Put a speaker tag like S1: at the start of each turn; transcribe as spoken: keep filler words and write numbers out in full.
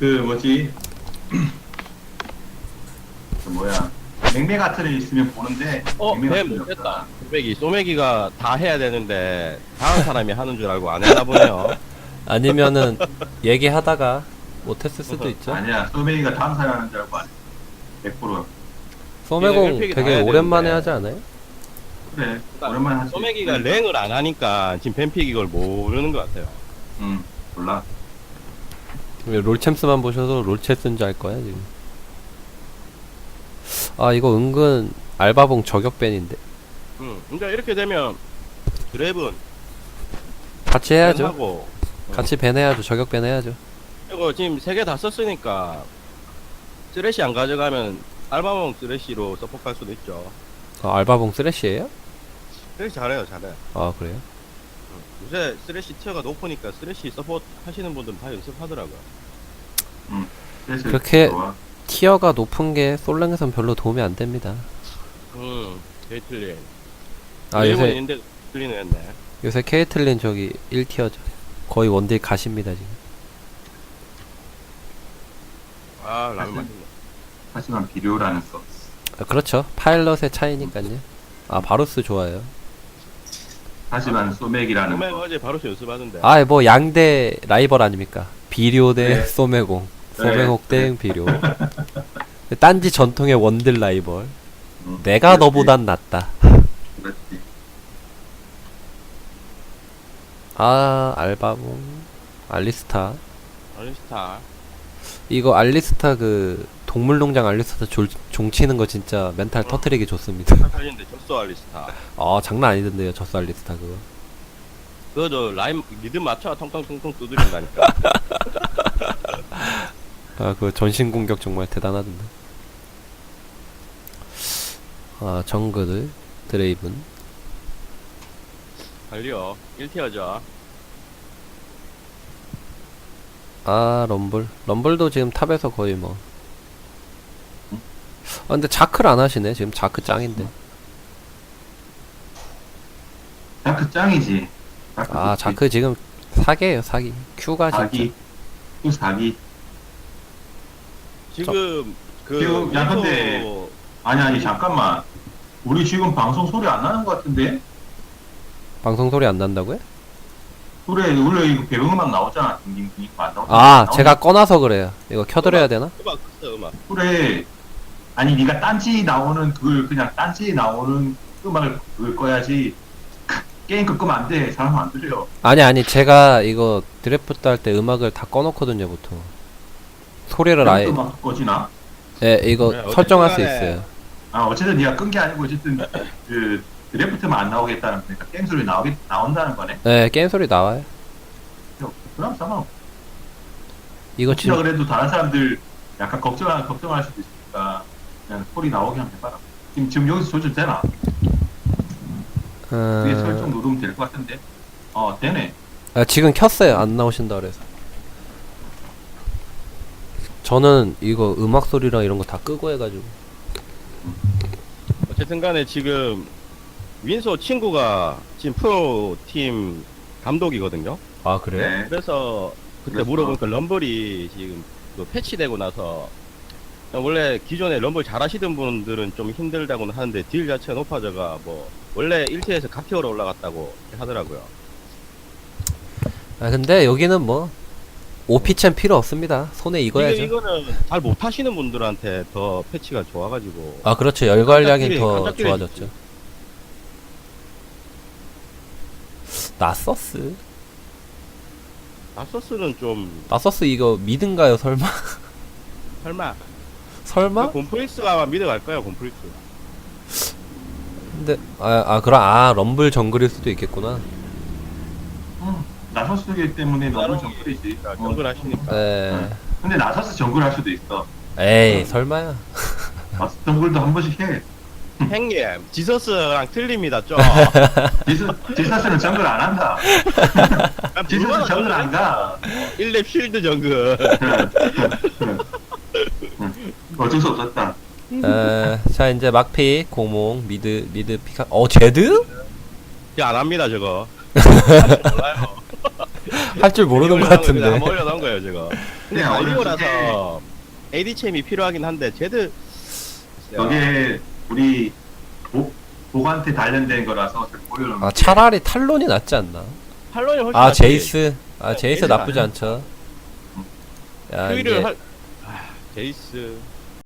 S1: 그 뭐지 그 뭐야 맹매 같은 애 있으면 보는데
S2: 어,
S1: 맹매
S2: 배
S1: 같은 애
S2: 못했다.
S1: 없잖아.
S2: 소매기, 소매기가 다 해야 되는데 다른 사람이 하는 줄 알고 안 했나 보네요.
S3: 아니면은 얘기하다가 못했을 수도 있죠.
S1: 아니야 소매기가 다음 사람 하는 줄 알고 안 해. 백 퍼센트
S3: 소매공
S2: 일픽이
S3: 되게
S2: 나와야
S3: 오랜만에
S2: 되는데.
S3: 하지 않아요?
S1: 그래
S2: 그러니까
S1: 오랜만에 하지.
S2: 소매기가
S1: 그러니까.
S2: 랭을 안 하니까 지금 뱀픽 이걸 모르는 것 같아요.
S1: 응 몰라.
S3: 롤챔스만 보셔도 롤챔스인 줄 알 거야 지금. 아 이거 은근 알바봉 저격밴인데
S2: 음, 그러니까 이렇게 되면 드랩은
S3: 같이 해야죠.
S2: 하고
S3: 같이 밴 해야죠. 저격밴 해야죠.
S2: 이거 지금 세 개 다 썼으니까 쓰레쉬 안 가져가면 알바몬 쓰레쉬로 서포트할 수도 있죠.
S3: 아, 알바봉 쓰레쉬예요?
S2: 쓰레쉬 잘해요, 잘해.
S3: 아 그래요?
S2: 요새 쓰레쉬 티어가 높으니까 쓰레쉬 서포트 하시는 분들은 다 연습하더라고요.
S1: 응. 그래서
S3: 그렇게
S1: 좋아.
S3: 티어가 높은 게 솔랭에선 별로 도움이 안 됩니다.
S2: 음, 케이틀린.
S3: 아 요새
S2: 있는데 틀리는 했네.
S3: 요새 케이틀린 저기 일 티어죠. 거의 원딜 가십니다 지금.
S2: 아, 라면 맛있네.
S1: 하지만 비료라는 거.
S3: 아, 그렇죠. 파일럿의 차이니까요. 아 바루스 좋아요.
S1: 하지만 소맥이라는
S2: 소매
S1: 거.
S2: 어제 바로 연습하던데.
S3: 아 뭐 양대 라이벌 아닙니까? 비료 대
S1: 네.
S3: 소매공, 소매공
S1: 네.
S3: 대 비료. 딴지 전통의 원딜 라이벌.
S1: 응.
S3: 내가
S1: 그렇지.
S3: 너보단 낫다.
S1: 그렇지.
S3: 아 알바봉, 알리스타.
S2: 알리스타.
S3: 이거 알리스타 그 동물농장 알리스타 졸, 종치는 거 진짜 멘탈
S2: 어.
S3: 터트리기 좋습니다.
S2: 살리는데 졌어 알리스타.
S3: 아 장난 아니던데요 저스 알리스타 그거.
S2: 그거 저 라인 리듬 맞춰 텅텅텅텅 두드린다니까.
S3: 아 그 전신 공격 정말 대단하던데. 아 정글 드레이븐.
S2: 달려. 일 티어죠.
S3: 아 럼블 럼블도 지금 탑에서 거의 뭐. 아 근데 자크를 안 하시네 지금. 자크 짱인데.
S1: 자크 짱이지. 자크
S3: 아
S1: 좋지.
S3: 자크 지금 사기예요 사기. Q가 진짜.
S1: 사기. 또 사기.
S2: 지금 그
S1: 지금 야,
S2: 윈소-
S1: 근데- 아니 아니 잠깐만. 우리 지금 방송 소리 안 나는 것 같은데?
S3: 방송 소리 안 난다고요?
S1: 그래 원래 이거 배경음악 나오잖아. 딩딩딩 안 나오.
S3: 아 제가 꺼놔서 그래요. 이거 켜드려야 되나?
S2: 음악 껐어 음악.
S1: 그래. 아니 네가 딴지 나오는 그걸 그냥 딴지 나오는 음악을 그걸 꺼야지. 게임 끄 끄면 안 돼. 사람 안 들려.
S3: 아니 아니 제가 이거 드래프트 할 때 음악을 다 꺼놓거든요 보통. 소리를 아예
S1: 음악 꺼지나?
S3: 예 이거
S2: 그래,
S3: 설정할 수
S2: 어쨌든 간에
S3: 있어요.
S1: 아 어쨌든 네가 끈 게 아니고 어쨌든 그 드래프트만 안 나오겠다는 거니까 게임 소리 나오겠 나온다는 거네.
S3: 예 게임 소리 나와요.
S1: 그럼 상관없어.
S3: 이거
S1: 혹시나
S3: 지금
S1: 그래도 다른 사람들 약간 걱정할 걱정할 수도 있으니까 그냥 소리 나오게 한번 해봐라. 지금 지금 여기서 조절 되나? 위에 설정
S3: 어...
S1: 누르면 될 것 같은데. 어 되네.
S3: 아, 지금 켰어요. 안 나오신다 그래서. 저는 이거 음악 소리랑 이런 거 다 끄고 해가지고.
S2: 어쨌든 간에 지금 윈소 친구가 지금 프로 팀 감독이거든요.
S3: 아
S1: 네.
S2: 그래서 그때
S1: 그래서?
S2: 물어보니까 럼블이 지금 또 패치되고 나서 원래 기존에 럼블 잘하시던 분들은 좀 힘들다고는 하는데 딜 자체가 높아져가 뭐 원래 일 티에서 각 티어로 올라갔다고 하더라고요.
S3: 아 근데 여기는 뭐 오피챔 필요 없습니다. 손에 익어야죠.
S2: 이거, 이거는 잘 못하시는 분들한테 더 패치가 좋아가지고
S3: 아 그렇죠. 열관량이
S2: 깜짝이야,
S3: 더
S2: 깜짝이야,
S3: 좋아졌죠. 나서스?
S2: 나서스는 좀
S3: 나서스 이거 미든가요 설마?
S2: 설마
S3: 설마?
S2: 곰프리스가 아마 믿어갈 거야 곰프리스.
S3: 근데 아, 아 그럼 아 럼블 정글일 수도 있겠구나.
S1: 음, 나서스기 때문에 너무 정글이지. 어.
S2: 정글 하시니까.
S3: 에
S1: 근데 나서스 정글 할 수도 있어.
S3: 에이 설마야.
S1: 나서스 정글도 한 번씩 해.
S2: 형님 지서스랑 틀립니다 좀.
S1: 지스 지사스는 정글 안 한다. 지사스 정글 안 가.
S2: 일 렙 쉴드 정글.
S1: 어쩔 수 없었다.
S3: 에, 자 이제 막피 공몽 미드 미드 피카. 어 제드?
S2: 야, 안 합니다 저거. 몰라요.
S3: 할 줄 모르는 것
S2: 그냥
S3: 같은데.
S2: 한번 올려놓은 거예요 저거. 근데
S1: 그냥
S2: 달리고
S1: 얼른
S2: 나서 에이디챔이 필요하긴 한데 쟤들
S1: 저게 우리 복 복한테 단련된 거라서 잘 보여요.
S3: 아 차라리 탈론이 낫지 않나?
S2: 탈론이 훨씬
S3: 아
S2: 낫지.
S3: 제이스 아
S2: 네,
S3: 제이스
S2: 제이스가
S3: 나쁘지
S2: 아니야.
S3: 않죠. 야
S2: 큐이를
S3: 이제
S2: 할 아, 제이스